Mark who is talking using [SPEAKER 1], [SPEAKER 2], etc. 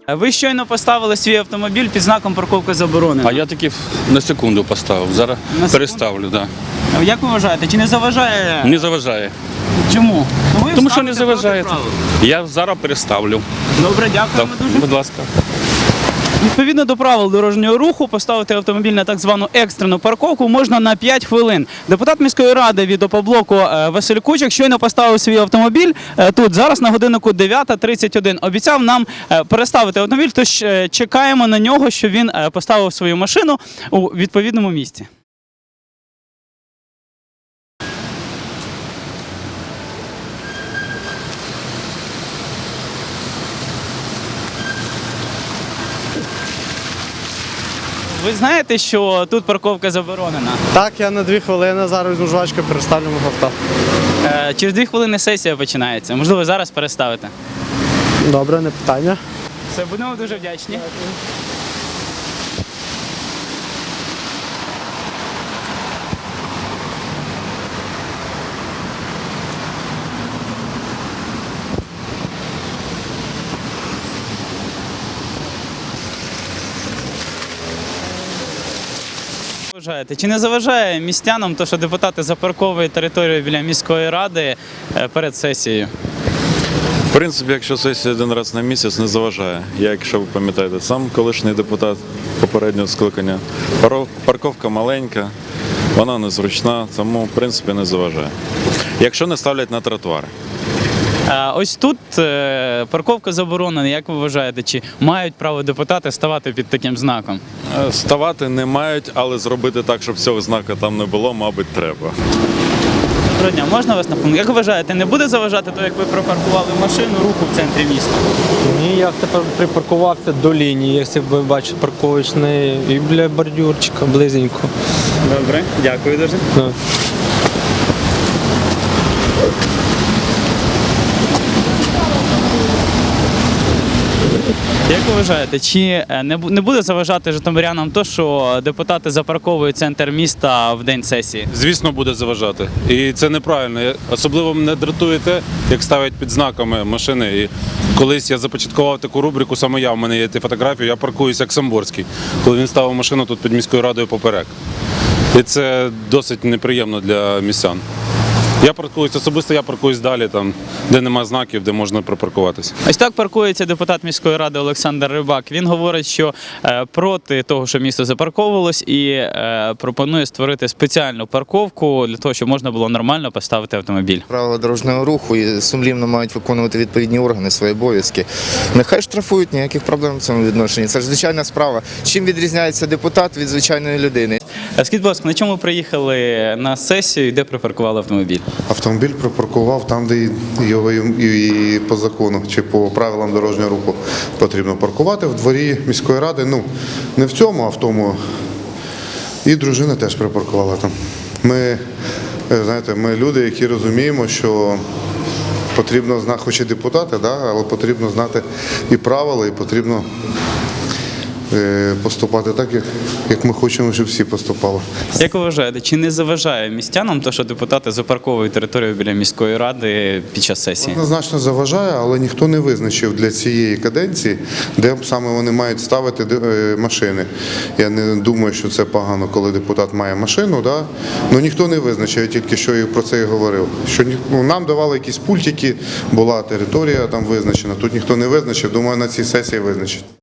[SPEAKER 1] Ви щойно поставили свій автомобіль під знаком «Парковка заборонена».
[SPEAKER 2] А я таки на секунду поставив, зараз переставлю. Да.
[SPEAKER 1] Як ви вважаєте, чи не заважає?
[SPEAKER 2] Не заважає.
[SPEAKER 1] Чому? Ну, ви
[SPEAKER 2] Тому що не
[SPEAKER 1] ставите
[SPEAKER 2] заважає.
[SPEAKER 1] проти правил.
[SPEAKER 2] Я зараз переставлю.
[SPEAKER 1] Добре, дякуємо дуже.
[SPEAKER 2] Будь ласка.
[SPEAKER 1] Відповідно до правил дорожнього руху, поставити автомобіль на так звану екстрену парковку можна на 5 хвилин. Депутат міської ради від ОПОБЛОКу Василь Кучик щойно поставив свій автомобіль тут, зараз на годиннику 9:31. Обіцяв нам переставити автомобіль, тож чекаємо на нього, що він поставив свою машину у відповідному місці. Ви знаєте, що тут парковка заборонена?
[SPEAKER 3] Так, я на 2 хвилини зараз візьму жвачку, переставлю мого авто.
[SPEAKER 1] Через 2 хвилини сесія починається. Можливо, зараз переставите.
[SPEAKER 3] Добре, не питання.
[SPEAKER 1] Все, будемо дуже вдячні. Вважаєте, чи не заважає містянам те, що депутати запарковують територію біля міської ради перед сесією?
[SPEAKER 4] В принципі, якщо сесія один раз на місяць, не заважає. Я, якщо ви пам'ятаєте, сам колишній депутат попереднього скликання. Парковка маленька, вона незручна, тому в принципі не заважає. Якщо не ставлять на тротуари.
[SPEAKER 1] Ось тут парковка заборонена. Як ви вважаєте, чи мають право депутати ставати під таким знаком?
[SPEAKER 4] Ставати не мають, але зробити так, щоб цього знака там не було, мабуть, треба.
[SPEAKER 1] Доброго дня, можна вас напомнити? Як ви вважаєте, не буде заважати то, як ви припаркували машину, руху в центрі міста?
[SPEAKER 3] Ні, я тепер припаркувався до лінії, якщо ви бачите парковочний, і біля бордюрчика, близенько.
[SPEAKER 1] Добре, дякую дуже.
[SPEAKER 3] Да.
[SPEAKER 1] Як ви вважаєте, чи не буде заважати житомирянам то, що депутати запарковують центр міста в день сесії?
[SPEAKER 5] Звісно, буде заважати. І це неправильно. Особливо мене дратує те, як ставлять під знаками машини. І колись я започаткував таку рубрику, саме я, в мене є ті фотографії, я паркуюся як Самборський, коли він ставив машину тут під міською радою поперек. І це досить неприємно для містян. Я паркуюсь, особисто я паркуюсь далі, там, де нема знаків, де можна припаркуватися.
[SPEAKER 1] Ось так паркується депутат міської ради Олександр Рибак. Він говорить, що проти того, що місто запарковувалось, і пропонує створити спеціальну парковку для того, щоб можна було нормально поставити автомобіль.
[SPEAKER 6] Правила дорожнього руху і сумлінно мають виконувати відповідні органи свої обов'язки. Нехай штрафують, ніяких проблем в цьому відношенні. Це ж звичайна справа. Чим відрізняється депутат від звичайної людини?
[SPEAKER 1] Скажіть, будь ласка, на чому приїхали на сесію і де припаркували автомобіль?
[SPEAKER 7] Автомобіль припаркував там, де його і по закону чи по правилам дорожнього руху потрібно паркувати в дворі міської ради. Ну, не в цьому, а в тому. І дружина теж припаркувала там. Ми люди, які розуміємо, що потрібно знати, хоч і депутати, але потрібно знати і правила, і потрібно поступати так, як ми хочемо, щоб всі поступали.
[SPEAKER 1] Як ви вважаєте, чи не заважає містянам те, що депутати запарковують територію біля міської ради під час сесії?
[SPEAKER 7] Однозначно заважає, але ніхто не визначив для цієї каденції, де саме вони мають ставити машини. Я не думаю, що це погано, коли депутат має машину, але ніхто не визначив, я тільки що про це і говорив. Що нам давали якісь пультики, була територія там визначена, тут ніхто не визначив, думаю, на цій сесії визначить.